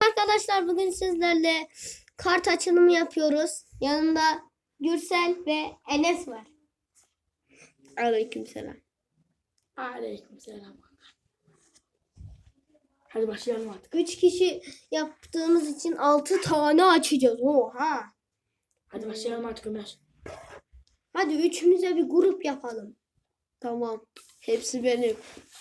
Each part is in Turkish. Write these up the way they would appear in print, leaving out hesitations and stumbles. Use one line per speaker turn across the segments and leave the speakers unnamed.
Arkadaşlar bugün sizlerle kart açılımı yapıyoruz. Yanımda Gürsel ve Enes var. Aleykümselam.
Aleykümselam. Hadi başlayalım artık.
3 kişi yaptığımız için 6 tane açacağız. Oha.
Hadi başlayalım artık Ömer.
Hadi üçümüze bir grup yapalım.
Tamam. Hepsi benim.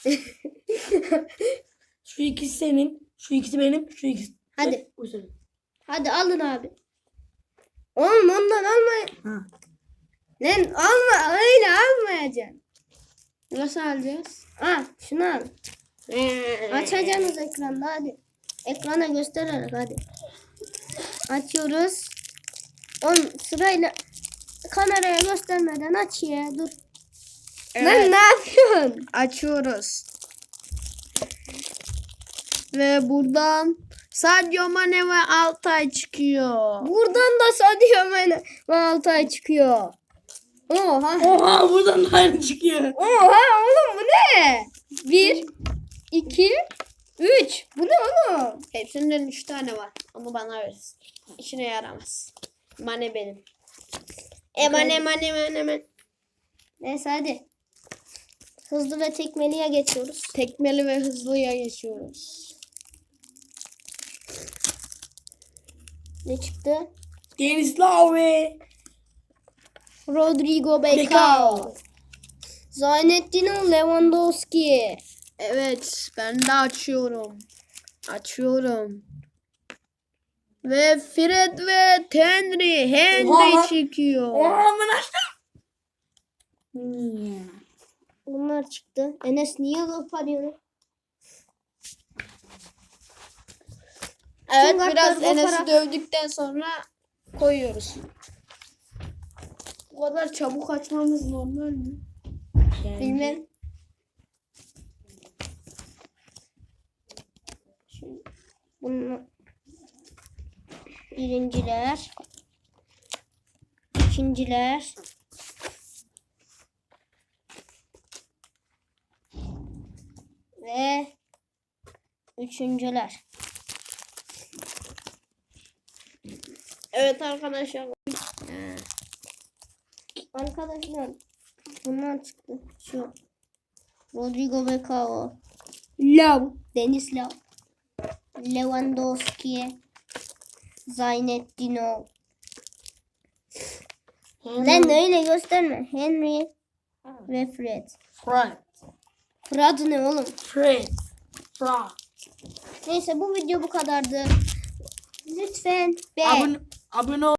Şu ikisi senin, şu ikisi benim, şu ikisi.
Hadi.
Bu senin.
Hadi alın abi. Oğlum ondan almayın.
Ha.
Lan alma, öyle almayacaksın.
Nasıl alacağız?
Ha, şunu al. Açacaksınız ekranda hadi. Ekrana göstererek hadi. Açıyoruz. Sırayla kameraya göstermeden aç ya, dur.
Evet.
Lan ne yapıyorsun?
Açıyoruz. Ve buradan Sadio Mane ve Altay çıkıyor.
Buradan da Sadio Mane ve Altay çıkıyor. Oha.
Oha buradan da aynı çıkıyor.
Oha oğlum bu ne? 1, 2, 3. Bu ne oğlum?
Hepsinden 3 tane var. Ama bana verirsin. İşine yaramaz. Mane benim. Mane.
Neyse hadi. Hızlı ve tekmeliye geçiyoruz.
Tekmeli ve hızlıya geçiyoruz.
Ne çıktı?
Deniz Lave.
Rodrigo Becao.
Becao.
Zaynettin Lewandowski.
Evet. Ben de açıyorum. Açıyorum. Ve Fred ve Henry
Oha.
çıkıyor.
Oha ben açtım.
Bunlar çıktı. Enes niye laf arıyor?
Evet,
Tüm
biraz
kartları
Enes'i
koparak-
dövdükten sonra koyuyoruz. Bu kadar çabuk açmamız normal mi?
Bilmem. Şimdi bunu birinciler, ikinciler, ve üçüncüler.
Evet arkadaşlar.
Arkadaşlar bunlar çıktı. Şu Rodrigo Becao, Deniz Lav, Lewandowski, Zaynettin. Lan öyle gösterme. Henry ve Fred. Fred ne oğlum?
Fred.
Neyse bu video bu kadardı. Lütfen beğen.
Abone ol.